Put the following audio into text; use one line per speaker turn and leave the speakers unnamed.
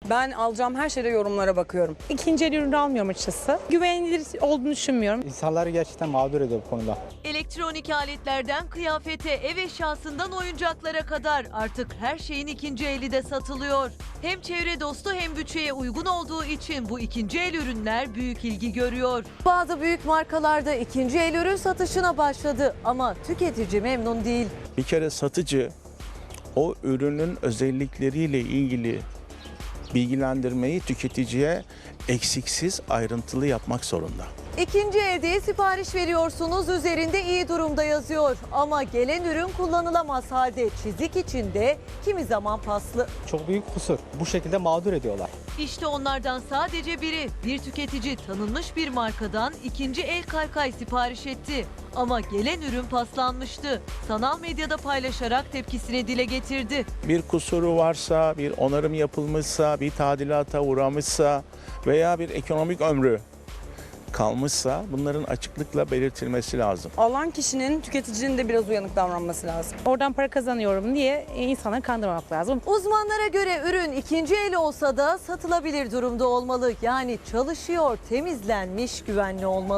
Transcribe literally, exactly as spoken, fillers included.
Ben alacağım her şeyde yorumlara bakıyorum.
İkinci el ürünü almıyorum açıkçası. Güvenilir olduğunu düşünmüyorum.
İnsanları gerçekten mağdur ediyor bu konuda.
Elektronik aletlerden kıyafete, ev eşyasından oyuncaklara kadar artık her şeyin ikinci eli de satılıyor. Hem çevre dostu hem bütçeye uygun olduğu için bu ikinci el ürünler büyük ilgi görüyor. Bazı büyük markalarda ikinci el ürün satışına başladı ama tüketici memnun değil.
Bir kere satıcı o ürünün özellikleriyle ilgili bilgilendirmeyi tüketiciye eksiksiz, ayrıntılı yapmak zorunda.
İkinci elde sipariş veriyorsunuz, üzerinde iyi durumda yazıyor. Ama gelen ürün kullanılamaz halde, çizik içinde, kimi zaman paslı.
Çok büyük kusur. Bu şekilde mağdur ediyorlar.
İşte onlardan sadece biri. Bir tüketici tanınmış bir markadan ikinci el kaykay sipariş etti. Ama gelen ürün paslanmıştı. Sanal medyada paylaşarak tepkisini dile getirdi.
Bir kusuru varsa, bir onarım yapılmışsa, bir tadilata uğramışsa veya bir ekonomik ömrü kalmışsa bunların açıklıkla belirtilmesi lazım.
Alan kişinin, tüketicinin de biraz uyanık davranması lazım.
Oradan para kazanıyorum diye insanları kandırmamak lazım.
Uzmanlara göre ürün ikinci el olsa da satılabilir durumda olmalı. Yani çalışıyor, temizlenmiş, güvenli olmalı.